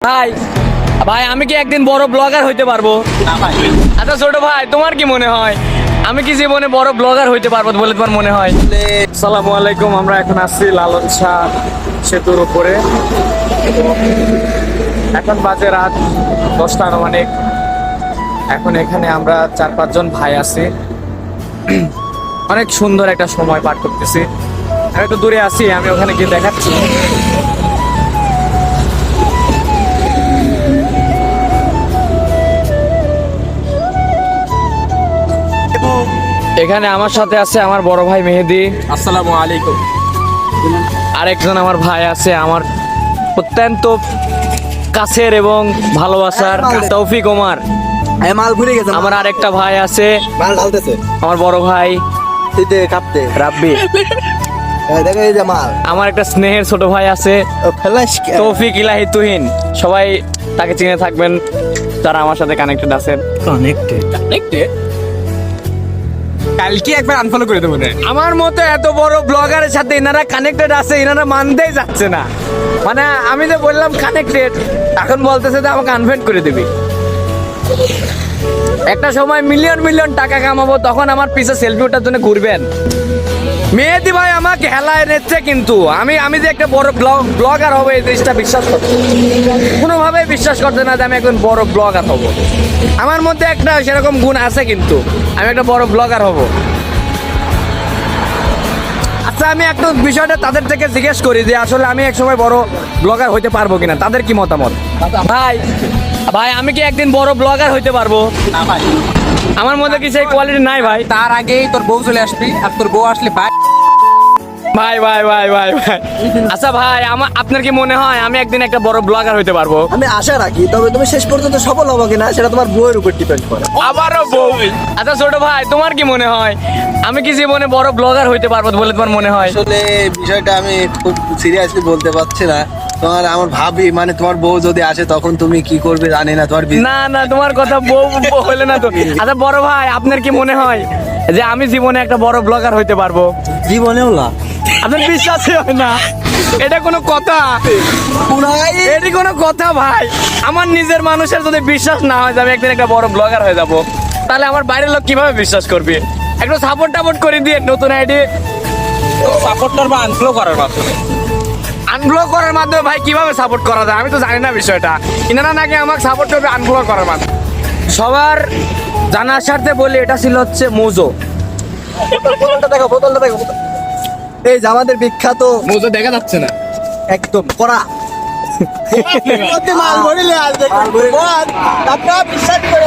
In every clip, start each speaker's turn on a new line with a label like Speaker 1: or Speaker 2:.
Speaker 1: ভাই ভাই আমি কি একদিন বড় ব্লগার হইতে পারবো? আচ্ছা ছোট ভাই, তোমার কি মনে হয় আমি কি জীবনে বড় ব্লগার হইতে পারবো বলে তোমার মনে হয়? আসসালামু আলাইকুম, আমরা এখন আসছি লালন শাহ সেতুর উপরে। এখন বাজে রাত 10টা আনুমানিক। এখন এখানে আমরা 4-5 জন ভাই আছি। অনেক সুন্দর একটা সময় পার করতেছি। আমি একটু দূরে আছি, আমি ওখানে গিয়ে দেখাচ্ছি। এখানে আমার সাথে আছে আমার বড় ভাই মেহেদি।
Speaker 2: আসসালামু আলাইকুম।
Speaker 1: আরেকজন আমার ভাই আছে, আমার অত্যন্ত কাছের এবং ভালোবাসার তৌফিক ওমর।
Speaker 2: মাল ঘুরে গেছে।
Speaker 1: আমার আরেকটা ভাই আছে,
Speaker 2: মাল ঢালতেছে
Speaker 1: আমার বড় ভাই
Speaker 2: শীতে কাঁপতে।
Speaker 1: রাব্বি।
Speaker 2: দেখো এই যে মাল।
Speaker 1: আমার একটা স্নেহের ছোট ভাই আছে
Speaker 2: ফ্ল্যাশ
Speaker 1: তৌফিক ইলাহি তুহিন। সবাই তাকে চিনে থাকবেন যারা আমার সাথে কানেক্টেড আছেন।
Speaker 2: কানেক্টেড কালকে একবার আনফলো করে দেবো না।
Speaker 1: আমার মতো এত বড় ব্লগারের সাথে এনারা কানেক্টেড আছে, এনারা মানতেই যাচ্ছে না। মানে আমি যে বললাম কানেক্টেড, এখন বলতেছে যে আমাকে আনফ্রেন্ড করে দিবি। একটা সময় মিলিয়ন মিলিয়ন টাকা কামাবো, তখন আমার পিছে সেলফি ওঠার জন্য ঘুরবেন। মেহেদি ভাই আমাকে হেলায় নিচ্ছে, কিন্তু আমি যে একটা বড় ব্লগার হবো এই জিনিসটা বিশ্বাস করতে কোনোভাবেই বিশ্বাস করতে না যে আমি একজন বড় ব্লগার হব। আমার মধ্যে একটা সেরকম গুণ আছে, কিন্তু আমি একটা বড় ব্লগার হব। আচ্ছা, আমি একটা বিষয়টা তাদের থেকে জিজ্ঞেস করি যে আসলে আমি এক সময় বড় ব্লগার হইতে পারবো কিনা, তাদের কি মতামত? ভাই ভাই আমি কি একদিন বড় ব্লগার হইতে পারবো? আমার মধ্যে কি সেই কোয়ালিটি নাই ভাই?
Speaker 2: তার আগেই তোর বউ চলে আসবি, আর তোর বউ আসলে
Speaker 1: ভাই ভাই ভাই ভাই ভাই আচ্ছা ভাই, আপনার কি মনে হয় আমি একদিন একটা বড় ব্লগার হইতে পারবো?
Speaker 3: আমি আশা রাখি, তবে তুমি শেষ পর্যন্ত সফল হবে কিনা সেটা তোমার বউয়ের উপর ডিপেন্ড করে।
Speaker 1: আবারও বউ। আচ্ছা ছোট ভাই, তোমার কি মনে হয় আমি কি জীবনে বড় ব্লগার হইতে পারবো বলে তোমার মনে হয়?
Speaker 3: আসলে বিষয়টা আমি খুব সিরিয়াসলি বলতে পারছি না। আমার ভাবি, মানে তোমার বউ যদি আসে তখন তুমি কি করবে জানি না।
Speaker 1: না না, তোমার কথা বউ হলে না তো। আচ্ছা বড় ভাই, আপনার কি মনে হয় যে আমি জীবনে একটা বড় ব্লগার হইতে পারবো?
Speaker 3: জীবনেও না।
Speaker 1: আপনার বিশ্বাসই হয় না? এটা কোনো কথা? এটি কোনো কথা ভাই? আমার নিজের মানুষের যদি বিশ্বাস না হয় যে আমি একদিন একটা বড় ব্লগার হয়ে যাব, তাহলে আমার বাইরের লোক কিভাবে বিশ্বাস করবে? একটু সাপোর্ট করে দিয়ে নতুন আইডি
Speaker 2: সাপোর্টার বা আনফলো করার মাধ্যমে।
Speaker 1: আনব্লক করার মাধ্যমে ভাই কিভাবে সাপোর্ট করা যায়? আমি তো জানি না বিষয়টা। ইনারা নাকি আমাকে সাপোর্ট করবে আনব্লক করার মাধ্যমে। সবার জানার স্বার্থে বলি, এটা ছিল হচ্ছে মোজো।
Speaker 3: বোতলটা দেখো, বোতলটা দেখো। এই যে আমাদের বিখ্যাত
Speaker 2: মোজো দেখা যাচ্ছে না।
Speaker 3: একদম কড়া মাল ভরিলে আসবে। আপনারা বিশ্বাস করে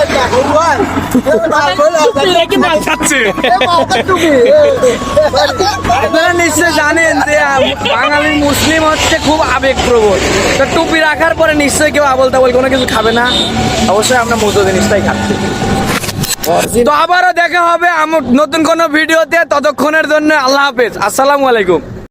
Speaker 1: আপনারা নিশ্চয় জানেন যে বাঙালি মুসলিম হচ্ছে খুব আবেগপ্রবণ। তো টুপি রাখার পরে নিশ্চয়ই কেউ আবল তাবল কোনো কিছু খাবে না। অবশ্যই আমরা মোজো জিনিসটাই খাচ্ছি। তো আবারও দেখা হবে আমার নতুন কোনো ভিডিওতে। ততক্ষণের জন্য আল্লাহ হাফেজ, আসসালামু আলাইকুম।